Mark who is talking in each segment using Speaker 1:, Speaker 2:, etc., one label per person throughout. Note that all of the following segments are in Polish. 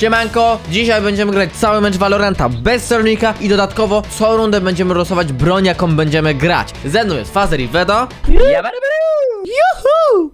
Speaker 1: Siemanko, dzisiaj będziemy grać cały mecz Valoranta bez celownika i dodatkowo co rundę będziemy losować broń, jaką będziemy grać. Ze mną jest Fazer i Vedo. Juhu!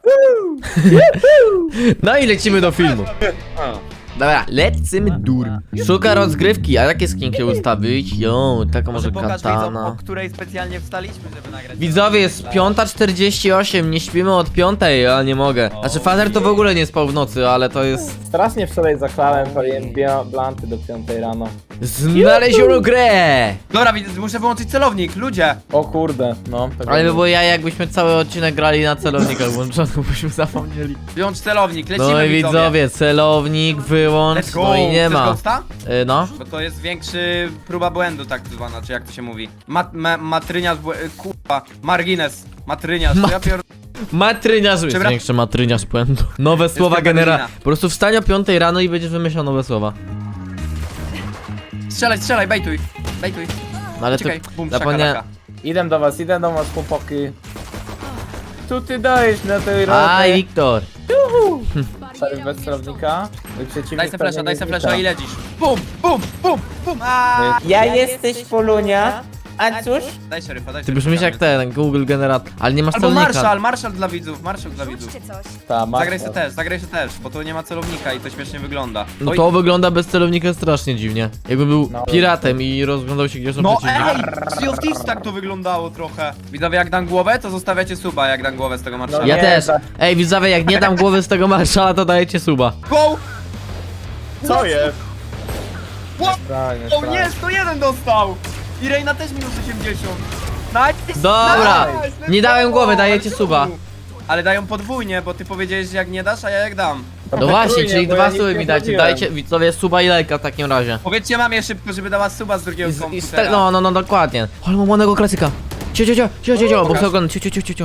Speaker 1: No i lecimy do filmu. Dobra, lecimy dur. Szuka rozgrywki, a jakie skinki ustawić? Jo, taką może
Speaker 2: Pokaż widzom, o
Speaker 1: katana.
Speaker 2: której specjalnie wstaliśmy, żeby nagrać.
Speaker 1: Widzowie, jest 5:48, nie śpimy od 5:00, ja nie mogę. Znaczy Fazer to w ogóle nie spał w nocy, ale to jest...
Speaker 3: Strasznie wczoraj zaklałem, paliłem blanty do 5 rano.
Speaker 1: Znaleziono grę!
Speaker 2: Dobra, muszę wyłączyć celownik, ludzie!
Speaker 3: O kurde, no.
Speaker 1: Ale by było ja, jakbyśmy cały odcinek grali na celownikach włączonych, byśmy zapomnieli.
Speaker 2: Wyłącz celownik, lecimy
Speaker 1: No i widzowie, celownik wyłącz,
Speaker 2: Let's go!
Speaker 1: no i nie
Speaker 2: Chcesz
Speaker 1: ma.
Speaker 2: ghosta?
Speaker 1: No.
Speaker 2: Bo to jest większy próba błędu, tak zwana, czy jak to się mówi. Matryniarz, kurwa, margines, matryniarz, ja pier...
Speaker 1: Matryniarz, jest większy matryniarz błędu. Nowe słowa genera.
Speaker 2: Berlina.
Speaker 1: Po prostu wstań o 5:00 rano i będziesz wymyślał nowe słowa.
Speaker 2: Strzelaj, bejtuj, bejtuj.
Speaker 1: No ale
Speaker 2: Czekaj,
Speaker 1: to
Speaker 2: bum,
Speaker 1: zapomniałem.
Speaker 2: szakalaka.
Speaker 3: Idę do was, chłopaki. Tu ty dajesz na tej
Speaker 1: Aj,
Speaker 3: rodzie.
Speaker 1: Wiktor.
Speaker 3: Szeryf bez celownika. I przeciwnik
Speaker 2: Daj se
Speaker 3: pewnie
Speaker 2: flesza, daj
Speaker 3: nie
Speaker 2: se
Speaker 3: znika.
Speaker 2: flesza i lecisz. Bum, bum, bum, bum, aaaa!
Speaker 4: Ja jesteś Polunia, a cóż?
Speaker 2: Daj szeryfa, daj
Speaker 1: Ty brzmisz jak ten Google Generator, ale nie masz
Speaker 2: Albo
Speaker 1: celownika.
Speaker 2: Marszal dla widzów, Marszal dla widzów.
Speaker 3: Ta, masz
Speaker 2: Zagraj się też, bo to nie ma celownika i to śmiesznie wygląda.
Speaker 1: No
Speaker 2: Oj,
Speaker 1: to wygląda bez celownika strasznie dziwnie. Jakby był
Speaker 3: No.
Speaker 1: piratem i rozglądał się gdzie są
Speaker 2: no
Speaker 1: przeciwnicy.
Speaker 2: ej! Sea of Thieves tak to wyglądało trochę. Widzowie, jak dam głowę, to zostawiacie suba, jak dam głowę z tego marszala.
Speaker 1: Ja
Speaker 3: Nie,
Speaker 1: też.
Speaker 3: tak.
Speaker 1: Ej, widzowie, jak nie dam głowy z tego marszala, to dajecie suba.
Speaker 2: Go!
Speaker 3: Co jest?
Speaker 2: What?
Speaker 3: Strasznie,
Speaker 2: O nie, 101 dostał! I Reina też minus 80. Nice!
Speaker 1: Dobra,
Speaker 2: Nice,
Speaker 1: nie dałem
Speaker 2: let's
Speaker 1: głowy,
Speaker 2: go,
Speaker 1: dajecie
Speaker 2: let's
Speaker 1: suba.
Speaker 2: go. Ale dają podwójnie, bo ty powiedziałeś, że jak nie dasz, a ja jak dam.
Speaker 1: No właśnie,
Speaker 3: Trójnie,
Speaker 1: czyli
Speaker 3: bo
Speaker 1: dwa
Speaker 3: ja nic
Speaker 1: suby
Speaker 3: nie
Speaker 1: mi dajcie.
Speaker 3: zrobiłem.
Speaker 1: Dajcie, widzowie, suba i lajka w takim razie.
Speaker 2: Powiedzcie mamie szybko, żeby dała suba z drugiego komputera.
Speaker 1: No, dokładnie. Ale mam ładnego klasyka. Cio, bo
Speaker 2: Pokaż.
Speaker 1: chcę oglądać. Cio.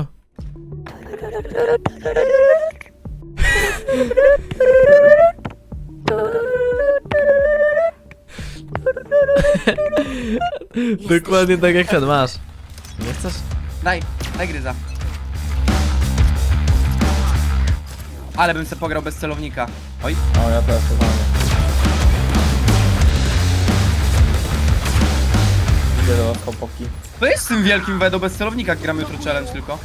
Speaker 1: Dokładnie tak jak ten masz. Nie chcesz?
Speaker 2: Daj gryza. Ale bym se pograł bez celownika. Oj,
Speaker 3: O, ja też chyba nie. Idę do was, chłopaki.
Speaker 2: to jest z tym wielkim wedo bez celownika, jak gramy jutro challenge tylko.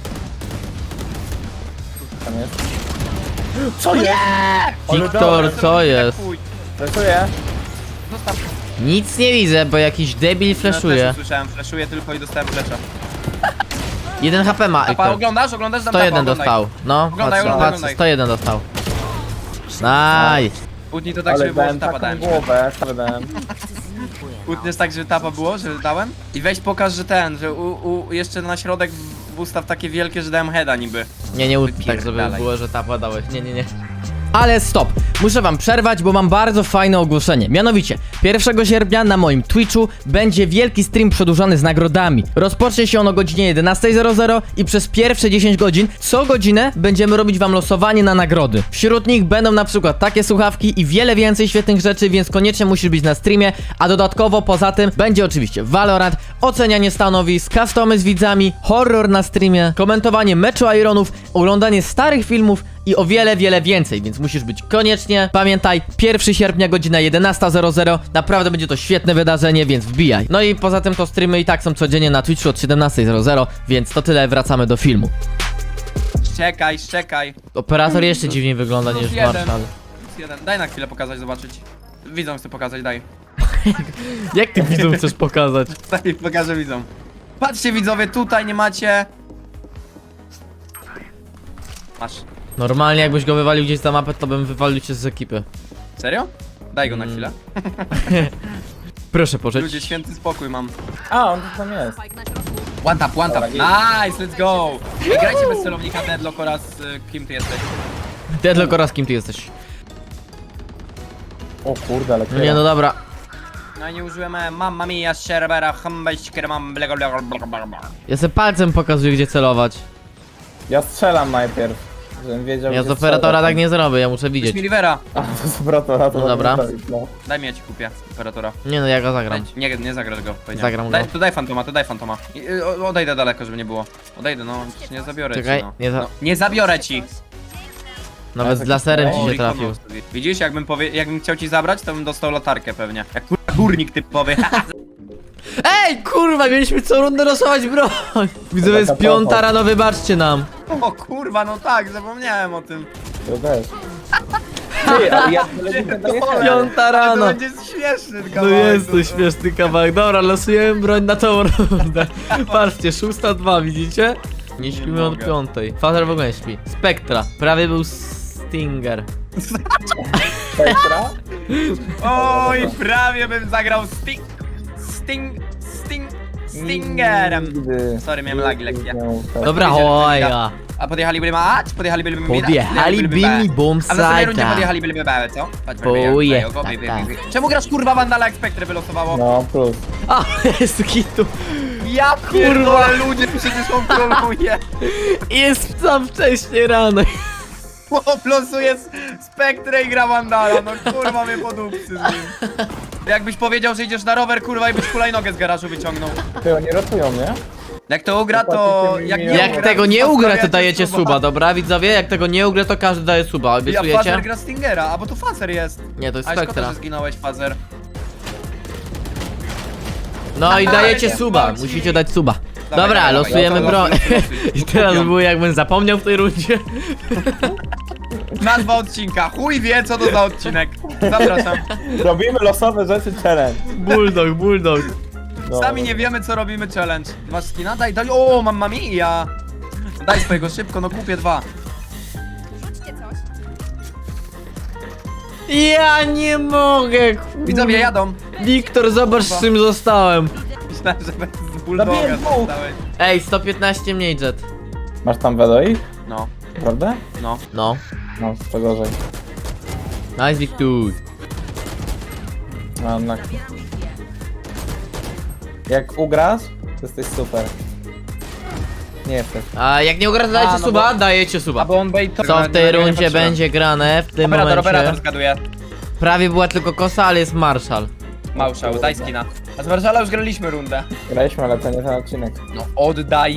Speaker 3: Tam jest. Co jest?
Speaker 1: Wiktor, co jest?
Speaker 3: Fleszuję.
Speaker 2: Zostaw.
Speaker 1: Nic nie widzę, bo jakiś debil
Speaker 2: No,
Speaker 1: flashuje.
Speaker 2: też słyszałem, flashuję tylko i dostałem flasha.
Speaker 1: 1 HP ma.
Speaker 2: Tapa, oglądasz? Oglądasz? Dam
Speaker 1: 101
Speaker 2: tapa, oglądaj.
Speaker 1: dostał. No,
Speaker 2: Oglądaj,
Speaker 1: patrz,
Speaker 2: oglądaj,
Speaker 1: patrz,
Speaker 2: oglądaj.
Speaker 1: 101 dostał. Nice.
Speaker 2: Utnij to tak,
Speaker 3: Ale
Speaker 2: żeby było, że
Speaker 3: dałem
Speaker 2: tapa
Speaker 3: taką
Speaker 2: dałem.
Speaker 3: głowę, dałem.
Speaker 2: Utniesz tak, żeby tapa było, że dałem? I weź pokaż, że ten, że jeszcze na środek ustaw takie wielkie, że dałem heada niby.
Speaker 1: Nie utnij tak, żeby
Speaker 2: Wypierdalaj.
Speaker 1: było, że tapa dałeś. Nie. Ale stop! Muszę wam przerwać, bo mam bardzo fajne ogłoszenie. Mianowicie, 1 sierpnia na moim Twitchu będzie wielki stream przedłużony z nagrodami. Rozpocznie się on o godzinie 11:00 i przez pierwsze 10 godzin co godzinę będziemy robić wam losowanie na nagrody. Wśród nich będą na przykład takie słuchawki i wiele więcej świetnych rzeczy, więc koniecznie musisz być na streamie, a dodatkowo poza tym będzie oczywiście Valorant, ocenianie stanowisk, customy z widzami, horror na streamie, komentowanie meczu Ironów, oglądanie starych filmów i o wiele więcej, więc musisz być koniecznie. Pamiętaj, 1 sierpnia godzina 11:00, naprawdę będzie to świetne wydarzenie, więc wbijaj. No i poza tym to streamy i tak są codziennie na Twitchu od 17:00, więc to tyle, wracamy do filmu.
Speaker 2: Czekaj.
Speaker 1: Operator jeszcze dziwniej wygląda niż
Speaker 2: jeden.
Speaker 1: Marszal.
Speaker 2: Jeden. Daj na chwilę pokazać, zobaczyć. Widzom chcę pokazać, daj.
Speaker 1: Jak ty widzom chcesz pokazać?
Speaker 2: Daj, pokażę widzom. Patrzcie widzowie, tutaj nie macie... Masz.
Speaker 1: Normalnie jakbyś go wywalił gdzieś za mapę, to bym wywalił cię z ekipy.
Speaker 2: Serio? Daj go na chwilę.
Speaker 1: Proszę pożyć.
Speaker 2: Ludzie, święty spokój mam.
Speaker 3: A, on tu tam jest.
Speaker 2: One tap.
Speaker 3: Dobra,
Speaker 2: Nice, let's go! Ej, grajcie bez celownika Deadlock oraz kim ty jesteś.
Speaker 1: Deadlock oraz kim ty jesteś?
Speaker 3: O kurde, ale
Speaker 1: No nie, no dobra.
Speaker 2: No i nie użyłem mamma mia, sherbera, humbeśker, mam blega.
Speaker 1: Ja se palcem pokazuję, gdzie celować.
Speaker 3: Ja strzelam najpierw, żebym wiedział,
Speaker 1: Ja z
Speaker 3: gdzie
Speaker 1: operatora
Speaker 3: strzelać.
Speaker 1: tak nie zrobię, ja muszę
Speaker 2: Weź
Speaker 1: widzieć.
Speaker 2: mi Rivera.
Speaker 3: A, to z operatora to
Speaker 1: No dobra.
Speaker 3: zrobić, no.
Speaker 2: Daj mi, ja ci kupię operatora.
Speaker 1: Nie no, ja go zagram.
Speaker 2: Nie zagrasz go, powiedziałem.
Speaker 1: Zagram go.
Speaker 2: Daj fantoma. Odejdę daleko, żeby nie było. Odejdę, no, nie zabiorę
Speaker 1: Czekaj,
Speaker 2: ci, no.
Speaker 1: nie za-
Speaker 2: No, nie zabiorę ci!
Speaker 1: Nawet z laserem ci się trafił.
Speaker 2: Widzisz, jakbym chciał ci zabrać, to bym dostał latarkę pewnie. Jak kurwa górnik typowy.
Speaker 1: Ej, kurwa, mieliśmy co rundę losować broń. Widzowie, jest 5 rano, wybaczcie nam.
Speaker 2: O kurwa, no tak, zapomniałem o tym.
Speaker 3: To też. Ty, ale ja nie daję
Speaker 2: Piąta
Speaker 1: 5 rano.
Speaker 2: To będzie śmieszny
Speaker 1: No
Speaker 2: kawałek.
Speaker 1: jest to śmieszny kawałek. Dobra, losujemy broń na tą rundę. Patrzcie, 6-2, widzicie? Nie śpimy od
Speaker 2: mogę.
Speaker 1: 5. Fazer w ogóle nie śpi. Spektra, prawie był Stinger.
Speaker 3: Spektra?
Speaker 2: Oj, prawie bym zagrał Stingerem.
Speaker 3: Nigdy.
Speaker 2: Sorry, miałem lagi lekkie.
Speaker 1: Dobra, oja.
Speaker 2: A podjechaliby mać? Podjechaliby mi
Speaker 1: Podjechaliby mi bomb
Speaker 2: A w następnej rundzie
Speaker 1: site'a.
Speaker 2: podjechaliby mi co? Patrz,
Speaker 1: Boje,
Speaker 2: go,
Speaker 1: tak,
Speaker 2: by.
Speaker 1: tak.
Speaker 2: Czemu grasz kurwa Vandala jak Spektry wylosowało?
Speaker 3: No, plus.
Speaker 1: A, jest kitu.
Speaker 2: Ja pierdolę, ludzie, przecież on troluje.
Speaker 1: Jest tam wcześnie rano.
Speaker 2: Chłop losuje Spektrę i gra Vandala, no kurwa mnie podupcy z nim. Jakbyś powiedział, że idziesz na rower, kurwa, i byś hulajnogę z garażu wyciągnął.
Speaker 3: Ty, oni rotują, nie?
Speaker 2: Jak to ugra, to...
Speaker 1: Jak tego nie ugra, to dajecie suba, dobra widzowie? Jak tego nie ugra, to każdy daje suba,
Speaker 2: Ja
Speaker 1: obiecujecie?
Speaker 2: Fazer gra Stingera, a bo to Fazer jest.
Speaker 1: Nie, to jest
Speaker 2: A szkoda,
Speaker 1: Spektra.
Speaker 2: że zginąłeś, Fazer.
Speaker 1: No i dajecie
Speaker 2: nie
Speaker 1: suba,
Speaker 2: wchodzi.
Speaker 1: musicie dać suba.
Speaker 2: Dawaj,
Speaker 1: Dobra,
Speaker 2: dawaj,
Speaker 1: losujemy
Speaker 2: dawaj,
Speaker 1: broń.
Speaker 2: losuj.
Speaker 1: I teraz
Speaker 2: Kupią.
Speaker 1: było jakbym zapomniał w tej rundzie.
Speaker 2: Nazwa odcinka, chuj wie co to za odcinek. Zapraszam.
Speaker 3: Robimy losowe rzeczy challenge.
Speaker 1: Bulldog.
Speaker 3: No.
Speaker 2: Sami nie wiemy co robimy challenge. Masz skina? Daj. O, mam mamija. Daj swojego szybko, no kupię 2.
Speaker 1: Ja nie mogę,
Speaker 2: Widzowie jadą.
Speaker 1: Wiktor, zobacz z czym zostałem.
Speaker 2: Myślałem, że bez bulldoga
Speaker 3: Zabiję dwóch.
Speaker 2: zostałeś.
Speaker 1: Ej, 115 mniej jet.
Speaker 3: Masz tam wedoi?
Speaker 2: No,
Speaker 3: Prawda?
Speaker 2: no.
Speaker 1: No.
Speaker 3: No, to gorzej.
Speaker 1: Nice, Wiktor.
Speaker 3: No, na... Jak ugrasz, to jesteś super. Nie jesteś.
Speaker 1: A jak nie ugra, to dajecie
Speaker 2: no
Speaker 1: suba?
Speaker 2: bo-
Speaker 1: Dajecie suba.
Speaker 2: bo on bait...
Speaker 1: Co w tej rundzie będzie grane w tym
Speaker 2: Operator
Speaker 1: momencie?
Speaker 2: zgaduje.
Speaker 1: Prawie była tylko kosa, ale jest Marshall.
Speaker 2: Małszał, daj skina. A z Marszala już graliśmy rundę.
Speaker 3: Graliśmy, ale to nie ten odcinek.
Speaker 2: No oddaj.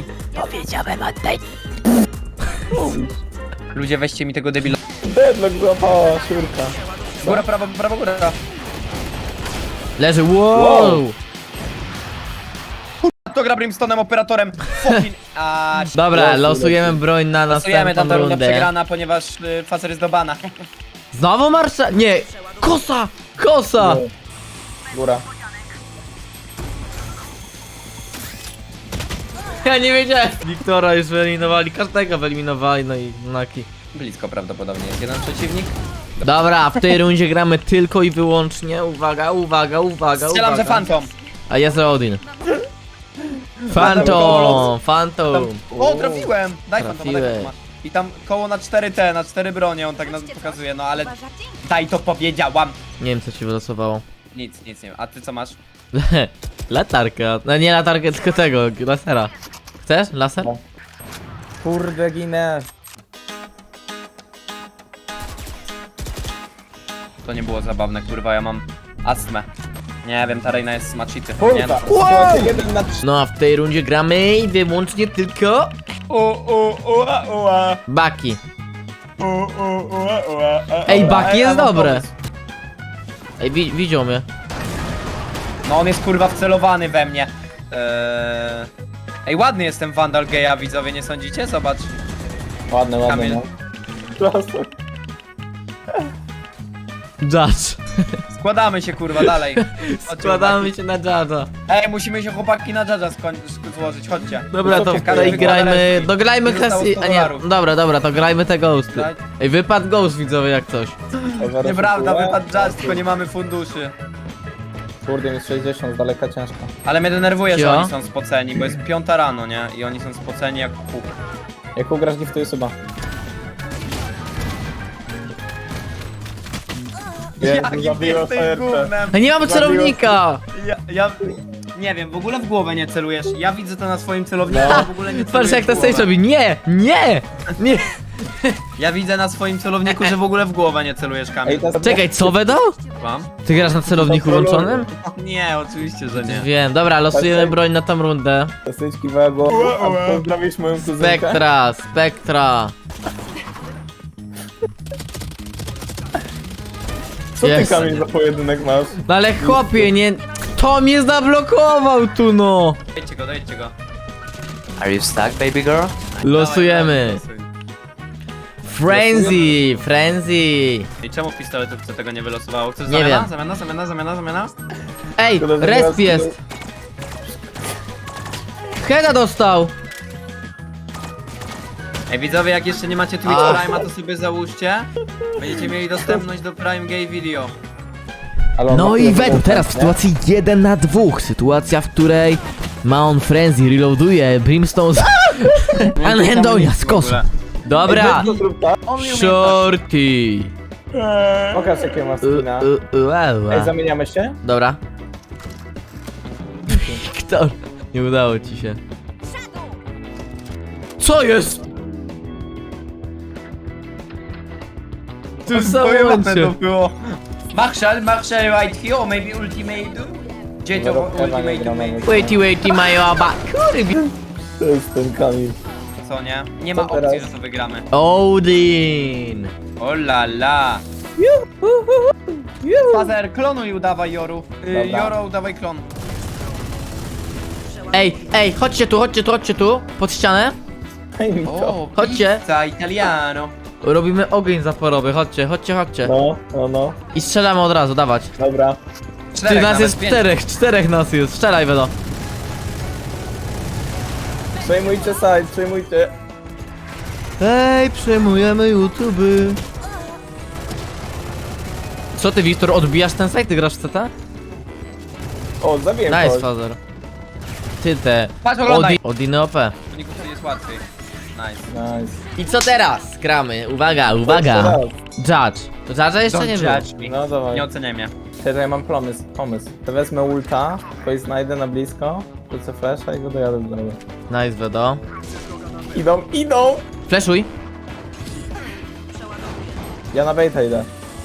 Speaker 2: Ludzie, weźcie mi tego debila.
Speaker 3: Deadlock złapała siurka.
Speaker 2: Góra, prawo, góra.
Speaker 1: Leży, wow!
Speaker 2: To gra Brimstonem, operatorem. Fucking... A,
Speaker 1: Dobra, losujemy broń na
Speaker 2: losujemy
Speaker 1: następną
Speaker 2: tam ta runda
Speaker 1: rundę.
Speaker 2: przegrana, ponieważ Facer jest do bana.
Speaker 1: Znowu Marshall? Nie! Kosa! Kosa!
Speaker 3: Góra.
Speaker 1: Ja nie wiedziałem. Wiktora już wyeliminowali, każdego wyeliminowali, no i Naki.
Speaker 2: Blisko prawdopodobnie jest jeden przeciwnik.
Speaker 1: Dobra, w tej rundzie gramy tylko i wyłącznie. Uwaga.
Speaker 2: Strzelam, że Phantom.
Speaker 1: A jest Rodin. Phantom.
Speaker 2: O, trafiłem! Daj Phantoma, daj
Speaker 1: Trafiłeś.
Speaker 2: Phantoma. I tam koło na 4T, na 4 bronie on tak nas pokazuje, no ale... Daj to powiedziałam!
Speaker 1: Nie wiem co ci wylosowało.
Speaker 2: Nic nie wiem. A ty co masz?
Speaker 1: Latarkę. No nie latarkę, tylko tego, lasera. Chcesz? Laser?
Speaker 3: No. Kurde, ginę.
Speaker 2: To nie było zabawne, kurwa, ja mam astmę. Nie wiem, ta Reina jest smaczity. Nie
Speaker 3: Kurwa.
Speaker 2: no.
Speaker 3: Wow. 1 na 3.
Speaker 1: No a w tej rundzie gramy i wyłącznie tylko Baki. Ej, Baki jest dobre. Ej, widział mnie.
Speaker 2: No on jest kurwa wcelowany we mnie. Ej, ładny jestem Vandal Geja, widzowie, nie sądzicie? Zobacz.
Speaker 3: Ładne,
Speaker 2: Kamil.
Speaker 3: no. Prosto.
Speaker 1: Judge.
Speaker 2: Składamy się kurwa dalej. Chodźcie,
Speaker 1: Składamy
Speaker 2: chłopaki.
Speaker 1: się na Judge'a.
Speaker 2: Ej, musimy się chłopaki na Judge'a złożyć, chodźcie.
Speaker 1: Dobra, to
Speaker 3: Wysokie
Speaker 1: tutaj
Speaker 2: karty.
Speaker 1: grajmy, dograjmy
Speaker 2: Nie zostało
Speaker 1: Cassie,
Speaker 2: 100
Speaker 1: a nie,
Speaker 2: dolarów.
Speaker 1: dobra, to grajmy te ghosty.
Speaker 2: Daj.
Speaker 1: Ej, wypadł ghost widzowie jak coś.
Speaker 2: Nieprawda, wypadł Judge, tylko nie mamy funduszy.
Speaker 3: Kurde, mi 60 z daleka ciężko.
Speaker 2: Ale mnie denerwuje, że
Speaker 1: Cio?
Speaker 2: oni są spoceni, bo jest 5 rano, nie? I oni są spoceni jak puk.
Speaker 3: Jak ugrasz, giftuj suba.
Speaker 2: Jakim jesteś gównem?
Speaker 1: A nie mamy
Speaker 3: Zabiło.
Speaker 1: celownika!
Speaker 2: Ja nie wiem, w ogóle w głowę nie celujesz. Ja widzę to na swoim celowniku,
Speaker 3: No.
Speaker 2: a w ogóle nie celujesz
Speaker 1: Patrz jak
Speaker 2: w
Speaker 1: to
Speaker 2: głowę.
Speaker 1: stage robi, nie!
Speaker 2: Ja widzę na swoim celowniku, że w ogóle w głowę nie celujesz, Kamil.
Speaker 1: Czekaj, co wydał?
Speaker 2: Mam?
Speaker 1: Ty grasz na celowniku włączonym?
Speaker 2: Nie, oczywiście, że nie.
Speaker 1: Wiem, dobra, losujemy broń na tą rundę.
Speaker 3: Styczki wego. A pozdrowisz moją kuzynkę?
Speaker 1: Spektra.
Speaker 3: Co ty,
Speaker 1: Jest.
Speaker 3: Kamil, za pojedynek masz?
Speaker 1: No ale chłopie, nie... Kto mnie zablokował tu, no?
Speaker 2: Dojedźcie go.
Speaker 5: Are you stuck, baby girl?
Speaker 1: Losujemy.
Speaker 2: Dawaj, losuj.
Speaker 1: Frenzy.
Speaker 2: I czemu w pistoletówce tego nie wylosowało? Chcesz
Speaker 1: Nie
Speaker 2: zamiana?
Speaker 1: Ej,
Speaker 3: Szkoda, że
Speaker 1: resp
Speaker 3: teraz-
Speaker 1: jest. Heada dostał.
Speaker 2: Ej widzowie, jak jeszcze nie macie Twitch
Speaker 1: A.
Speaker 2: Prime'a, to sobie załóżcie. Będziecie mieli dostępność do Prime Gay Video.
Speaker 3: Ale on
Speaker 1: No
Speaker 3: ma
Speaker 1: i
Speaker 3: tyle
Speaker 1: Wedu,
Speaker 3: punktów,
Speaker 1: teraz w
Speaker 3: nie?
Speaker 1: sytuacji 1 na 2. Sytuacja, w której ma on Frenzy, reloaduje, Brimstone z... Anhendonia z kosą. Dobra,
Speaker 3: Weź to zrób tak.
Speaker 1: shorty.
Speaker 3: Pokaż jakie ma skina. Ej, zamieniamy się?
Speaker 1: Dobra. Kto? Nie udało ci się. Co jest? Tu
Speaker 2: Pojebane to
Speaker 1: samo
Speaker 2: było. Marshall right here, or maybe ultimate. Gdzie to
Speaker 3: Dobra,
Speaker 2: ultimate
Speaker 3: nie gramy.
Speaker 2: mate?
Speaker 1: Waity, majoba.
Speaker 3: To jest ten Kamil.
Speaker 2: Co nie? Nie ma
Speaker 3: Co teraz?
Speaker 2: opcji, że to wygramy.
Speaker 1: Odin.
Speaker 2: O la la. Fazer, klonuj udawaj Joru.
Speaker 3: Dobra.
Speaker 2: Joro, udawaj klon.
Speaker 1: Ej, chodźcie tu, pod ścianę.
Speaker 3: Daj mi to.
Speaker 2: O,
Speaker 1: Chodźcie.
Speaker 2: pizza italiano.
Speaker 1: Robimy ogień zaporowy, chodźcie.
Speaker 3: No.
Speaker 1: I strzelamy od razu, dawać.
Speaker 3: Dobra.
Speaker 1: Ty
Speaker 2: Czterech
Speaker 1: nas
Speaker 2: nawet,
Speaker 1: jest
Speaker 2: pięć.
Speaker 1: czterech nas jest. Strzelaj, Wedo.
Speaker 3: Przejmujcie side, przejmujcie.
Speaker 1: Ej, przejmujemy YouTube. Co ty, Wiktor, odbijasz ten site? Ty grasz w CT?
Speaker 3: O, zabiję
Speaker 1: Nice,
Speaker 3: kogoś.
Speaker 1: Father. Ty te.
Speaker 2: Patrz, oglądaj.
Speaker 1: Odiny OP.
Speaker 2: Niku, jest łatwiej. Nice.
Speaker 3: Nice.
Speaker 1: I co teraz? Gramy. Uwaga.
Speaker 3: Teraz.
Speaker 1: Judge. To Judge'a jeszcze nie było.
Speaker 2: judge me.
Speaker 3: No dawaj.
Speaker 2: Nie oceniaj mnie.
Speaker 3: Teraz ja mam pomysł. To wezmę ulta, kogoś znajdę na blisko, wrócę flasha i go dojadę do niego.
Speaker 1: Nice, Wedo.
Speaker 3: Idą!
Speaker 1: Flashuj.
Speaker 3: Ja na baita idę.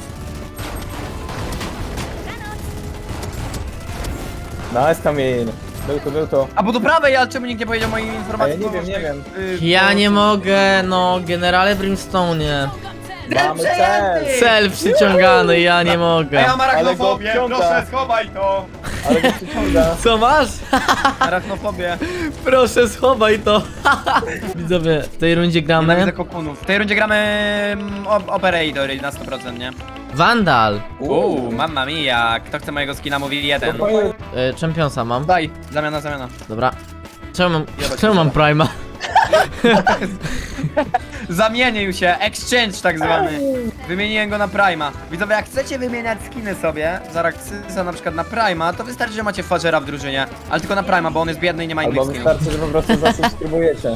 Speaker 3: Nice, Kamil. Był to.
Speaker 2: A bo do prawej, ale czemu nikt nie powiedział mojej
Speaker 3: A
Speaker 2: informacji?
Speaker 3: ja nie wiem.
Speaker 1: Ja nie mogę, no, generale Brimstone.
Speaker 3: Mamy cel!
Speaker 1: Cel przyciągany, ja nie mogę.
Speaker 2: Ej, ja mam
Speaker 3: Ale go
Speaker 2: arachnofobię,
Speaker 3: wciąga.
Speaker 2: proszę schowaj to!
Speaker 3: Ale go przyciąga.
Speaker 1: Co masz?
Speaker 2: Arachnofobię.
Speaker 1: Proszę, schowaj to. Widzowie, w tej rundzie
Speaker 2: Nienawidzę
Speaker 1: gramy
Speaker 2: kokunów. W tej rundzie gramy Operator na 100%, nie?
Speaker 1: Vandal.
Speaker 2: Mamma mia, kto chce mojego skina mówi jeden.
Speaker 1: Championsa mam.
Speaker 2: Daj, zamiana.
Speaker 1: Dobra. Czemu mam Prima?
Speaker 2: Zamienił się, exchange tak zwany. Wymieniłem go na Prima. Widzowie, jak chcecie wymieniać skiny sobie z Araxysa na przykład na Prima, to wystarczy, że macie Fazera w drużynie. Ale tylko na Prima, bo on jest biedny i nie ma innych
Speaker 3: Albo
Speaker 2: skinów.
Speaker 3: wystarczy, że po prostu zasubskrybujecie.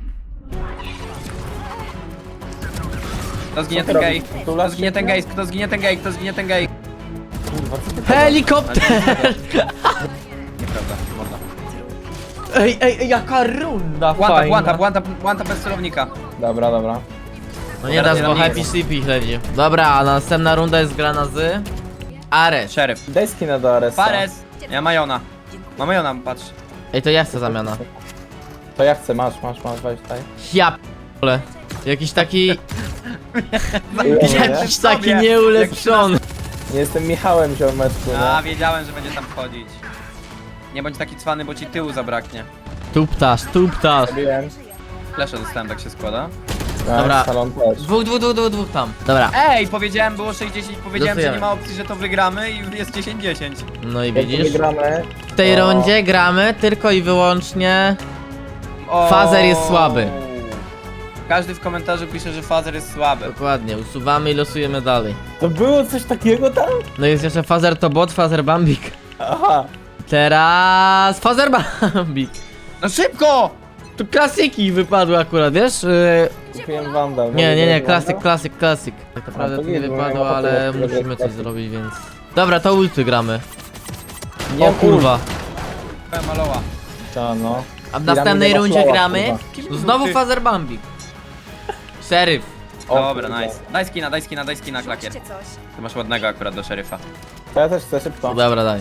Speaker 2: Kto zginie
Speaker 3: Co ty
Speaker 2: ten gej?
Speaker 3: robisz?
Speaker 2: Kto
Speaker 3: Tulasz
Speaker 2: zginie ten
Speaker 3: się?
Speaker 2: gej? Kto zginie ten gej? Kto zginie ten gej?
Speaker 3: Kurwa, co ty
Speaker 1: Helikopter!
Speaker 2: Nieprawda, morda.
Speaker 1: Ej, jaka runda
Speaker 2: One tap bez celownika.
Speaker 3: Dobra.
Speaker 1: No nie dasz, bo
Speaker 2: Teraz
Speaker 1: Happy Sleepy śledzi. Dobra, a następna runda jest grana z... Ares.
Speaker 2: Sheriff.
Speaker 3: Daj skina do Aresa.
Speaker 2: Fares. Ja Majona. Ma Majona, patrz.
Speaker 1: Ej, to ja chcę zamiana.
Speaker 3: To ja chcę, masz, weź tutaj.
Speaker 1: Ja p***le. Jakiś taki...
Speaker 3: Nie,
Speaker 1: Jakiś taki nieulepszony.
Speaker 3: nie jestem Michałem ziomeczku,
Speaker 2: A,
Speaker 3: nie?
Speaker 2: wiedziałem, że będzie tam wchodzić. Nie bądź taki cwany, bo ci tyłu zabraknie.
Speaker 1: Tuptasz.
Speaker 3: Zabiłem.
Speaker 2: Flesze dostałem, tak się składa.
Speaker 3: Nice,
Speaker 1: Dobra.
Speaker 3: Salon też.
Speaker 1: Dwóch tam. Dobra.
Speaker 2: Ej, powiedziałem, było 60, powiedziałem, że
Speaker 1: Losujemy.
Speaker 2: nie ma opcji, że to wygramy i jest 10-10.
Speaker 1: No i
Speaker 3: Jak
Speaker 1: widzisz?
Speaker 3: wygramy,
Speaker 1: W tej
Speaker 3: to-
Speaker 1: rundzie gramy tylko i wyłącznie...
Speaker 2: O.
Speaker 1: Fazer jest słaby.
Speaker 2: Każdy w komentarzu pisze, że Fazer jest słaby.
Speaker 1: Dokładnie, usuwamy i losujemy dalej.
Speaker 3: To było coś takiego tam?
Speaker 1: No jest jeszcze Fazer to bot, Fazer Bambik.
Speaker 3: Aha.
Speaker 1: Teraz Fazer Bambik.
Speaker 2: No szybko!
Speaker 1: Tu klasyki wypadły akurat, wiesz?
Speaker 3: Kupiłem Wandal.
Speaker 1: Nie, klasyk. Tak naprawdę
Speaker 3: to
Speaker 1: to nie
Speaker 3: nie, bo
Speaker 1: wypadło,
Speaker 3: ja mam
Speaker 1: ale
Speaker 3: ochotę
Speaker 1: musimy coś
Speaker 3: klasyk.
Speaker 1: zrobić, więc... Dobra, to ulty gramy.
Speaker 3: Nie
Speaker 1: O kurwa.
Speaker 2: Maloła.
Speaker 3: Ta, no.
Speaker 1: A w następnej
Speaker 3: Piramida
Speaker 1: rundzie
Speaker 3: Maslowa,
Speaker 1: gramy...
Speaker 3: kurwa.
Speaker 1: Znowu Fazer Bambik. Szeryf.
Speaker 3: O,
Speaker 2: Dobra,
Speaker 3: kurwa.
Speaker 2: nice. Daj skina, klakier. Ty masz ładnego akurat do szeryfa.
Speaker 3: To ja też chcę szybko.
Speaker 1: Dobra, daj.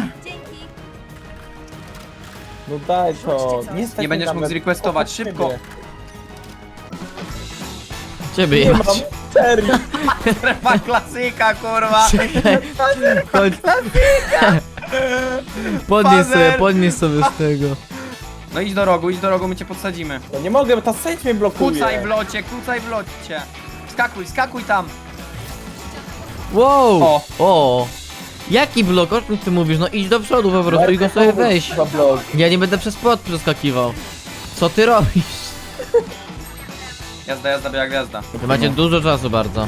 Speaker 3: No daj to. Nie, stać
Speaker 2: Nie
Speaker 3: mi
Speaker 2: będziesz
Speaker 3: nawet.
Speaker 2: mógł zrequestować,
Speaker 3: O,
Speaker 2: szybko.
Speaker 3: ciebie.
Speaker 1: Ciebie
Speaker 3: Nie
Speaker 1: jebać.
Speaker 3: mam.
Speaker 2: Strefa klasyka, kurwa.
Speaker 1: Chodź. Podnieś sobie,
Speaker 2: Fazer.
Speaker 1: podnieś sobie z tego.
Speaker 2: No idź do rogu, my cię podsadzimy.
Speaker 3: No nie mogę, bo ta sage mnie blokuje.
Speaker 2: Kucaj w locie. Skakuj tam.
Speaker 1: Wow!
Speaker 2: O.
Speaker 1: O! Jaki blok? O czym ty mówisz? No idź do przodu po prostu i go sobie weź.
Speaker 3: Za blok.
Speaker 1: Ja nie będę przez płot przeskakiwał. Co ty robisz?
Speaker 2: Jazda, biała gwiazda.
Speaker 1: Wy macie dużo czasu bardzo.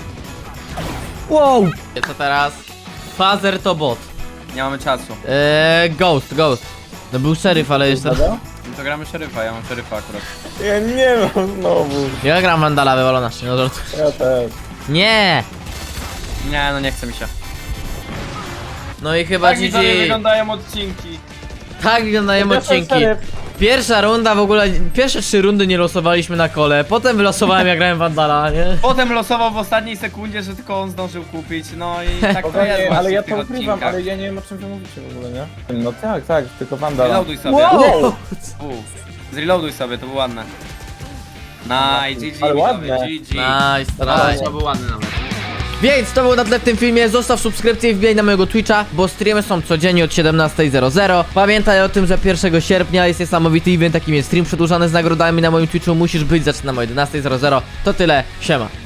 Speaker 1: Wow! Co teraz? Fazer to bot.
Speaker 2: Nie mamy czasu.
Speaker 1: Ghost. No był szeryf, ale jeszcze...
Speaker 3: Dobra?
Speaker 2: No to gramy szeryfa, ja mam szeryfa akurat.
Speaker 3: Ja nie mam znowu.
Speaker 1: Ja gram Vandala, wywalona się, no żart.
Speaker 3: Ja też.
Speaker 1: Nie!
Speaker 2: Nie, no nie chce mi się.
Speaker 1: No i chyba GG.
Speaker 2: wyglądają odcinki.
Speaker 1: Tak wyglądają odcinki.
Speaker 3: szeryf.
Speaker 1: Pierwsza runda w ogóle, pierwsze 3 rundy nie losowaliśmy na kole, potem wylosowałem jak grałem Vandala, nie?
Speaker 2: Potem losował w ostatniej sekundzie, że tylko on zdążył kupić, no i tak to jest
Speaker 3: Spokojnie,
Speaker 2: właśnie
Speaker 3: ale ja
Speaker 2: w tych
Speaker 3: to ukrywam,
Speaker 2: odcinkach.
Speaker 3: ale ja nie wiem o czym wy mówicie w ogóle, nie? No tak, tylko Vandala.
Speaker 2: Reloaduj sobie.
Speaker 1: Wow!
Speaker 2: Zreloaduj sobie, to było ładne. Nice, GG,
Speaker 3: Ale
Speaker 2: widzowie,
Speaker 3: ładne.
Speaker 2: GG.
Speaker 1: Nice,
Speaker 2: To
Speaker 1: nice.
Speaker 2: był ładny nawet.
Speaker 1: Więc to było na tle w tym filmie, zostaw subskrypcję i wbijaj na mojego Twitcha, bo streamy są codziennie od 17:00. Pamiętaj o tym, że 1 sierpnia jest niesamowity event, takim jest stream przedłużany z nagrodami na moim Twitchu, musisz być, zaczynamy o 11:00. To tyle, siema.